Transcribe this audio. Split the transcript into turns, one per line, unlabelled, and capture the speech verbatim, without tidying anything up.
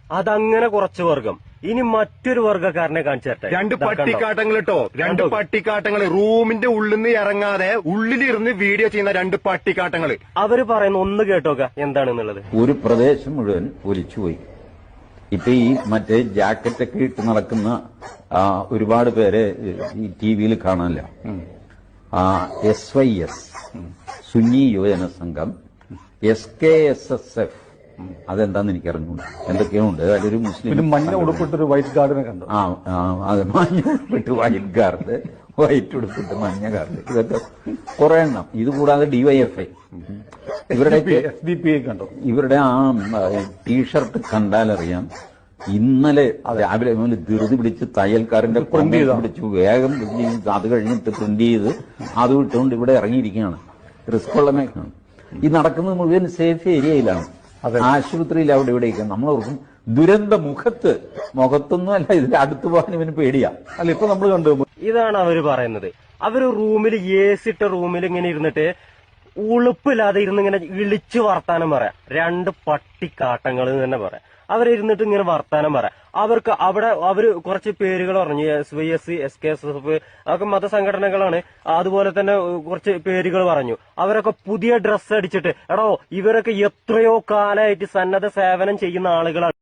അതങ്ങനെ കുറച്ച് വർഗം. ഇനി മറ്റൊരു വർഗ്ഗക്കാരനെ കാണിച്ചു തരട്ടെ.
രണ്ട് പട്ടിക്കാട്ടങ്ങൾ കേട്ടോ, രണ്ട് പട്ടിക്കാട്ടങ്ങൾ റൂമിന്റെ ഉള്ളിൽ നിന്ന് ഇറങ്ങാതെ ഉള്ളിലിരുന്ന് വീഡിയോ ചെയ്യുന്ന രണ്ട് പട്ടിക്കാട്ടങ്ങൾ.
അവര് പറയുന്ന ഒന്ന് കേട്ടോക്ക എന്താണെന്നുള്ളത്.
ഒരു പ്രദേശം മുഴുവൻ ഒലിച്ചുപോയി. ഇപ്പൊ ഈ മറ്റേ ജാക്കറ്റൊക്കെ ഇട്ട് നടക്കുന്ന ഒരുപാട് പേരെ ഈ ടി വിയിൽ കാണാനില്ല. S Y S Sunni Yuvajana Sangham, S K S S F, അതെന്താന്ന് എനിക്ക് അറിഞ്ഞൂടാ, എന്തൊക്കെയോ ഉണ്ട്. അതിലൊരു മുസ്ലിം
മഞ്ഞ ഉടുപ്പിട്ടൊരു വൈറ്റ് ഗാർഡിനെ കണ്ടു.
ആ അതെ, മഞ്ഞ ഉടുപ്പിട്ട് വൈറ്റ് ഗാർഡ്, വൈറ്റ് ഉടുപ്പിട്ട് മഞ്ഞ ഗാർഡ്, ഇതൊക്കെ കുറെ എണ്ണം. ഇത് കൂടാതെ ഡിവൈഎഫ്ഐ ഇവരുടെ
എസ് ഡി പി ഐ കണ്ടു.
ഇവരുടെ ആ ടീഷർട്ട് കണ്ടാലറിയാം ഇന്നലെ രാവിലെ മുതൽ ധൃതി പിടിച്ച് തയ്യൽക്കാരന്റെ പ്രിന്റ് പിടിച്ചു വേഗം അത് കഴിഞ്ഞിട്ട് പ്രിന്റ് ചെയ്ത് അത് വിട്ടുകൊണ്ട് ഇവിടെ ഇറങ്ങിയിരിക്കുകയാണ്. റിസ്ക് ഉള്ള മേഖലയാണ്. ഈ നടക്കുന്നത് മുഴുവൻ സേഫ് ഏരിയയിലാണ്, ആശുപത്രിയിൽ അവിടെ ഇവിടെയൊക്കെ. നമ്മളോർക്കും ദുരന്ത മുഖത്ത് മുഖത്തൊന്നും അല്ല, ഇതിന്റെ അടുത്ത് പോകാൻ ഇവന് പേടിയാ.
അല്ല, ഇപ്പൊ നമ്മൾ കണ്ടു.
ഇതാണ് അവര് പറയുന്നത്. അവര് റൂമിൽ എ സി ഇട്ട റൂമിൽ ഇങ്ങനെ ഇരുന്നിട്ട് ഉളുപ്പില്ലാതെ ഇരുന്ന് ഇങ്ങനെ ഇളിച്ചു വർത്താനം പറയാം. രണ്ട് പട്ടിക്കാട്ടങ്ങൾ തന്നെ പറയാം. അവരിരുന്നിട്ട് ഇങ്ങനെ വർത്താനം പറയാം. അവർക്ക് അവിടെ അവര് കുറച്ച് പേരുകൾ പറഞ്ഞു. S Y S, S K S S, അതൊക്കെ മതസംഘടനകളാണ്. അതുപോലെ തന്നെ കുറച്ച് പേരുകൾ പറഞ്ഞു. അവരൊക്കെ പുതിയ ഡ്രസ്സ് അടിച്ചിട്ട്, എടോ ഇവരൊക്കെ എത്രയോ കാലമായിട്ട് സന്നദ്ധ സേവനം ചെയ്യുന്ന ആളുകളാണ്.